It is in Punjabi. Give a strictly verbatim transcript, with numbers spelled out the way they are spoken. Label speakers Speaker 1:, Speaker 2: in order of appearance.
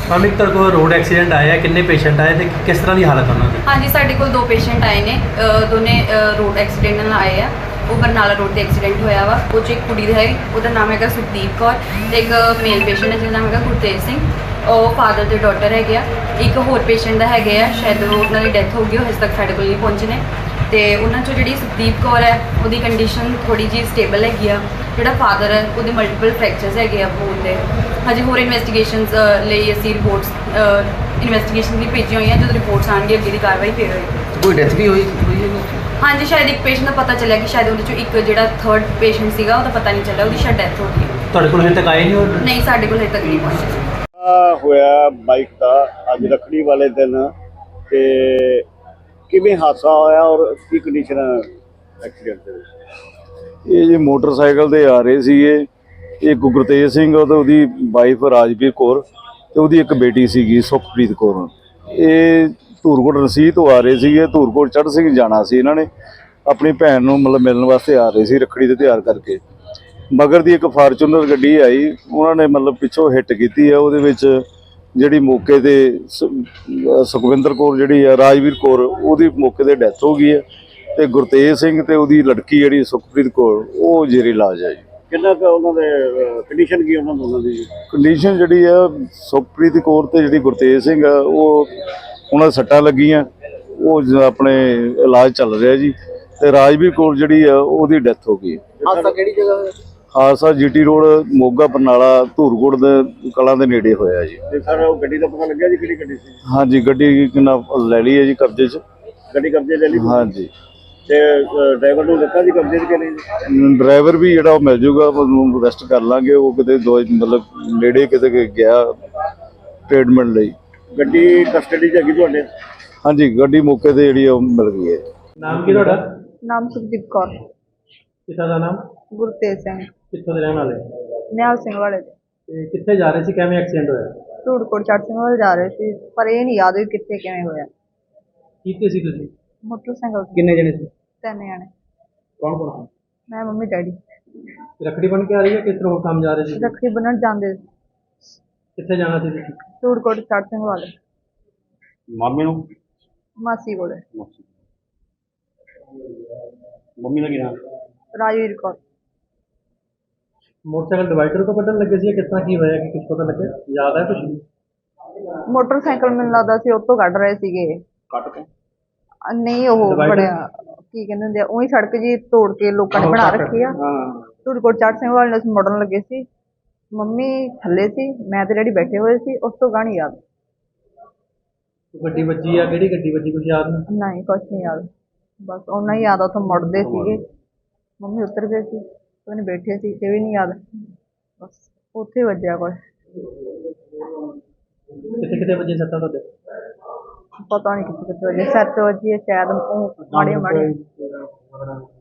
Speaker 1: मैम एक तरह को रोड एक्सीडेंट आया है, कितने पेशेंट आए थे, किस तरह की हालत है उन्होंने?
Speaker 2: हाँ जी, साढ़े कोल दो पेशेंट आए ने, अ, दोने अ, रोड एक्सीडेंट ਨਾਲ ਆਏ ਆ। ਉਹ ਬਰਨਾਲਾ ਰੋਡ ਤੇ ਐਕਸੀਡੈਂਟ ਹੋਇਆ ਵਾ। ਉਹ 'ਚ ਇੱਕ ਕੁੜੀ ਦਾ ਹੈ, ਉਹਦਾ ਨਾਮ ਹੈਗਾ ਸੁਖਦੀਪ ਕੌਰ, ਤੇ ਇੱਕ ਮੇਲ ਪੇਸ਼ੈਂਟ ਹੈ ਜਿਹਦਾ ਨਾਮ ਹੈਗਾ ਗੁਰਤੇਜ ਸਿੰਘ। ਉਹ ਫਾਦਰ ਤੇ ਡਾਟਰ ਹੈਗੇ ਆ। ਇੱਕ ਹੋਰ ਪੇਸ਼ੈਂਟ ਦਾ ਹੈਗੇ ਆ, ਸ਼ਾਇਦ ਉਹ ਉਹਨਾਂ ਦੀ ਡੈਥ ਹੋ ਗਈ, ਉਹ ਹਜੇ ਤੱਕ ਸਾਡੇ ਕੋਲ ਨਹੀਂ ਪਹੁੰਚੇ ਨੇ। ਤੇ ਉਹਨਾਂ 'ਚੋਂ ਜਿਹੜੀ ਸੁਖਦੀਪ ਕੌਰ ਹੈ ਉਹਦੀ ਕੰਡੀਸ਼ਨ ਥੋੜੀ ਜਿਹੀ ਸਟੇਬਲ ਹੈਗੀ ਆ। ਜਿਹੜਾ ਫਾਦਰ ਹੈ ਉਹਦੇ ਮਲਟੀਪਲ ਫ੍ਰੈਕਚਰਸ ਹੈਗੇ ਆ ਬੋਨ ਦੇ। ਹਜੇ ਹੋਰ ਇਨਵੈਸਟੀਗੇਸ਼ਨਸ ਲਈ ਅਸੀਂ ਰਿਪੋਰਟਸ ਇਨਵੈਸਟੀਗੇਸ਼ਨ ਲਈ ਭੇਜੀਆਂ ਹੋਈਆਂ। ਜਦੋਂ ਰਿਪੋਰਟਸ ਆਉਣਗੇ ਅੱਗੇ ਦੀ ਕਾਰਵਾਈ ਫਿਰ ਹੋਏਗੀ।
Speaker 3: ਕੋਈ ਡੈਥ ਵੀ ਹੋਈ ਹੋਈ ਹੈ?
Speaker 2: ਹਾਂਜੀ, ਸ਼ਾਇਦ ਇੱਕ ਪੇਸ਼ੈਂਟ ਦਾ ਪਤਾ ਚੱਲਿਆ ਕਿ ਸ਼ਾਇਦ ਉਹਦੇ 'ਚੋਂ ਇੱਕ ਜਿਹੜਾ ਥਰਡ ਪੇਸ਼ੈਂਟ ਸੀਗਾ ਉਹਦਾ ਪਤਾ ਨਹੀਂ ਚੱਲਿਆ, ਉਹਦੀ ਸ਼ਾਇਦ ਡੈਥ ਹੋ ਗਈ ਹੈ।
Speaker 1: ਤੁਹਾਡੇ ਕੋਲ ਹਜੇ ਤੱਕ ਆਏ ਨਹੀਂ ਉਹ?
Speaker 2: ਨਹੀਂ, ਸਾਡੇ ਕੋਲ ਹਜੇ ਤੱਕ ਨਹੀਂ ਪਹੁੰਚੇ।
Speaker 4: ਆ ਹੋਇਆ ਬਾਈਕ ਦਾ ਅੱਜ ਰੱਖੜੀ ਵਾਲੇ ਦਿਨ, ਤੇ ਕਿਵੇਂ ਹਾਦਸਾ ਹੋਇਆ ਔਰ ਕੀ ਕੰਡੀਸ਼ਨ ਐਕਸੀਡੈਂਟ ਦੇ ਵਿੱਚ?
Speaker 5: ਇਹ ਜੀ ਮੋਟਰਸਾਈਕਲ ਤੇ ਆ ਰਹੇ ਸੀਗੇ, ਇਹ ਗੁਰਤੇਜ ਸਿੰਘ ਤੇ ਉਹਦੀ ਵਾਈਫ ਰਾਜਵੀਰ ਕੌਰ ਤੇ ਉਹਦੀ ਇੱਕ ਬੇਟੀ ਸੀਗੀ ਸੁਖਪ੍ਰੀਤ ਕੌਰ। ਇਹ ਧੂਰਕੋਟ ਰਸੀਦ ਤੋਂ ਆ ਰਹੇ ਸੀਗੇ, ਧੂਰਕੋਟ ਚੜ੍ਹ ਸਿੰਘ ਜਾਣਾ ਸੀ। ਇਹਨਾਂ ਨੇ ਆਪਣੀ ਭੈਣ ਨੂੰ ਮਤਲਬ ਮਿਲਣ ਵਾਸਤੇ ਆ ਰਹੇ ਸੀ ਰੱਖੜੀ ਦੇ ਤਿਉਹਾਰ ਕਰਕੇ। ਮਗਰ ਦੀ ਇੱਕ ਫਾਰਚੂਨਰ ਗੱਡੀ ਆਈ, ਉਹਨਾਂ ਨੇ ਮਤਲਬ ਪਿੱਛੋਂ ਹਿੱਟ ਕੀਤੀ ਹੈ। ਉਹਦੇ ਵਿੱਚ ਜਿਹੜੀ ਮੌਕੇ 'ਤੇ ਸੁਖਵਿੰਦਰ ਕੌਰ ਜਿਹੜੀ ਆ ਰਾਜਵੀਰ ਕੌਰ, ਉਹਦੀ ਮੌਕੇ 'ਤੇ ਡੈਥ ਹੋ ਗਈ ਹੈ, ਅਤੇ ਗੁਰਤੇਜ ਸਿੰਘ ਅਤੇ ਉਹਦੀ ਲੜਕੀ ਜਿਹੜੀ ਸੁਖਪ੍ਰੀਤ ਕੌਰ ਉਹ ਜ਼ੇਰੇ ਇਲਾਜ ਹੈ ਜੀ।
Speaker 4: ਕਿੰਨਾ ਕੁ ਉਹਨਾਂ ਦੇ ਕੰਡੀਸ਼ਨ ਕੀ ਉਹਨਾਂ ਦੋਨਾਂ ਦੀ?
Speaker 5: ਕੰਡੀਸ਼ਨ ਜਿਹੜੀ ਆ ਸੁਖਪ੍ਰੀਤ ਕੌਰ ਅਤੇ ਜਿਹੜੀ ਗੁਰਤੇਜ ਸਿੰਘ ਆ ਉਹ ਉਹਨਾਂ ਦੇ ਸੱਟਾਂ ਲੱਗੀਆਂ, ਉਹ ਜ- ਆਪਣੇ ਇਲਾਜ ਚੱਲ ਰਿਹਾ ਜੀ। ਅਤੇ ਰਾਜਵੀਰ ਕੌਰ ਜਿਹੜੀ ਆ ਉਹਦੀ ਡੈਥ ਹੋ ਗਈ।
Speaker 3: ਹਾਦਸਾ ਕਿਹੜੀ ਜਗ੍ਹਾ ਹੋਇਆ?
Speaker 5: ਹਾਦਸਾ ਜੀਟੀ ਰੋਡ ਮੋਗਾ ਬਰਨਾਲਾ ਧੂਰਕੋਟ ਦੇ ਕਲਾਂ ਦੇ ਨੇੜੇ ਹੋਇਆ ਜੀ।
Speaker 4: ਤੇ ਸਰ ਉਹ ਗੱਡੀ ਦਾ ਪਤਾ ਲੱਗਿਆ ਜੀ ਕਿਹੜੀ ਗੱਡੀ ਸੀ?
Speaker 5: ਹਾਂਜੀ, ਗੱਡੀ ਕਿੰਨਾ ਲੈ ਲਈ ਹੈ ਜੀ ਕਬਜ਼ੇ 'ਚ।
Speaker 4: ਗੱਡੀ ਕਬਜ਼ੇ ਲੈ ਲਈ?
Speaker 5: ਹਾਂਜੀ,
Speaker 4: ਤੇ ਡਰਾਈਵਰ ਨੂੰ ਦਿੱਤਾ ਜੀ ਕਬਜ਼ੇ 'ਚ ਕਿ ਨਹੀਂ?
Speaker 5: ਡਰਾਈਵਰ ਵੀ ਜਿਹੜਾ ਉਹ ਮਿਲ ਜੂਗਾ, ਉਹਨੂੰ ਅਰੈਸਟ ਕਰ ਲਾਂਗੇ। ਉਹ ਕਿਤੇ ਦੋ ਮਤਲਬ ਨੇੜੇ ਕਿਤੇ ਗਿਆ ਟ੍ਰੀਟਮੈਂਟ ਲਈ।
Speaker 4: ਗੱਡੀ ਕਸਟਡੀ 'ਚ ਹੈਗੀ ਤੁਹਾਡੇ?
Speaker 5: ਹਾਂਜੀ, ਗੱਡੀ ਮੌਕੇ 'ਤੇ ਜਿਹੜੀ ਉਹ ਮਿਲ ਗਈ ਹੈ।
Speaker 1: ਨਾਮ ਕੀ ਤੁਹਾਡਾ?
Speaker 6: ਨਾਮ ਸੁਖਦੀਪ ਕੌਰ।
Speaker 1: ਪਿਤਾ ਦਾ ਨਾਮ?
Speaker 6: ਗੁਰਤੇਜ ਸਿੰਘ।
Speaker 1: ਕਿੱਥੋਂ ਦੇ ਰਹਿਣ ਵਾਲੇ?
Speaker 6: ਨਿਹਾਲ ਸਿੰਘ ਵਾਲੇ ਦੇ।
Speaker 1: ਤੇ ਕਿੱਥੇ ਜਾ ਰਹੇ ਸੀ, ਕਿਵੇਂ ਐਕਸੀਡੈਂਟ ਹੋਇਆ?
Speaker 6: ਧੂੜਕੋਟ ਚੜ੍ਹ ਸਿੰਘ ਵਾਲੇ ਜਾ ਰਹੇ ਸੀ, ਪਰ ਇਹ ਨਹੀਂ ਯਾਦ ਵੀ ਕਿੱਥੇ ਕਿਵੇਂ ਹੋਇਆ।
Speaker 1: ਕਿੱਥੇ ਸੀ ਤੁਸੀਂ?
Speaker 6: ਮੋਟਰਸਾਈਕਲ ਤੇ
Speaker 1: ਕਿੰਨੇ ਜਣੇ ਸੀ?
Speaker 6: ਤਿੰਨ ਜਾਣੇ,
Speaker 1: ਕੌਣ ਕੌਣ
Speaker 6: ਮੈਂ ਮੰਮੀ ਡੈਡੀ।
Speaker 1: ਸੀ? ਰੱਖੜੀ ਬਣ ਕੇ ਆ ਰਹੀ ਹੈ, ਕਿਸ ਤਰ੍ਹਾਂ ਕੰਮ ਜਾ ਰਹੇ ਸੀ?
Speaker 6: ਰੱਖੜੀ ਬੰਨ੍ਹਣ ਜਾਂਦੇ ਸੀ,
Speaker 1: ਕਿੱਥੇ ਜਾਣਾ ਸੀ ਤੁਸੀਂ?
Speaker 6: ਧੂੜਕੋਟ ਚੜ੍ਹ ਸਿੰਘ ਵਾਲੇ
Speaker 4: ਮਾਮੇ ਨੂੰ?
Speaker 6: ਮਾਸੀ ਕੋਲੇ।
Speaker 4: ਮੰਮੀ ਦਾ ਕੀ ਨਾਮ?
Speaker 6: ਰਾਜਵੀਰ ਕੌਰ।
Speaker 1: ਮੋਟਰਸਾਈਕਲ ਡਿਵਾਈਡਰ ਤੋਂ ਕੱਢਣ ਲੱਗੇ ਸੀ, ਕਿਸ ਤਰ੍ਹਾਂ ਕੀ ਹੋਇਆ ਕਿ ਕੁਝ ਪਤਾ ਲੱਗਿਆ? ਯਾਦ ਹੈ ਕੁਝ?
Speaker 6: ਮੋਟਰਸਾਈਕਲ ਮੈਨੂੰ ਲੱਗਦਾ ਸੀ ਉਹ ਤੋਂ ਕੱਢ ਰਹੇ ਸੀਗੇ।
Speaker 4: ਕੱਟ ਕੇ?
Speaker 6: ਅ, ਨਹੀਂ ਉਹ
Speaker 1: Divider?
Speaker 6: ਬੜਿਆ ਕੀ ਕਹਿੰਦੇ ਹੁੰਦੇ ਆ, ਉਹੀ ਸੜਕ ਜੀ ਤੋੜ ਕੇ ਲੋਕਾਂ ਨੇ
Speaker 1: ਆਹੋ,
Speaker 6: ਬਣਾ
Speaker 1: ਸੜਕ।
Speaker 6: ਰੱਖੀ ਆ।
Speaker 4: ਹਾਂ।
Speaker 6: ਧੂੜਕੋਟ ਚੜ੍ਹ ਸਿੰਘ ਵਾਲੇ ਨੂੰ ਅਸੀਂ ਮੁੜਨ ਲੱਗੇ ਸੀ, ਮੰਮੀ ਥੱਲੇ ਸੀ, ਮੈਂ ਤੇ ਡੈਡੀ ਬੈਠੇ ਹੋਏ ਸੀ। ਉਸ ਤੋਂ ਗਾਣੀ ਯਾਦ
Speaker 1: ਗੱਡੀ ਵੱਜੀ ਆ, ਕਿਹੜੀ ਗੱਡੀ ਵੱਜੀ ਕੁਝ ਯਾਦ ਨਹੀਂ?
Speaker 6: ਨਹੀਂ, ਕੁਛ ਨਹੀਂ ਯਾਦ। ਬਸ ਉਹਨਾਂ ਹੀ ਯਾਦ ਆ, ਉੱਥੋਂ ਮੁੜਦੇ ਸੀਗੇ, ਮੰਮੀ ਉਤਰ ਗਏ ਸੀ, ਉਹਨੇ ਬੈਠੇ ਸੀ, ਇਹ ਵੀ ਨਹੀਂ ਯਾਦ। ਬਸ ਉੱਥੇ ਵੱਜਿਆ ਕੁਛ,
Speaker 1: ਕਿੱਥੇ ਕਿੱਥੇ ਵੱਜੇ ਸੱਟਾਂ ਤੁਹਾਡੇ?
Speaker 6: ਪਤਾ ਨਹੀਂ ਕਿੱਥੇ ਕਿੱਥੇ ਵੱਜੇ। ਸਿਰ 'ਚ ਵੱਜੀ ਹੈ ਸ਼ਾਇਦ, ਉਹ ਮਾੜੇ ਮਾੜੇ।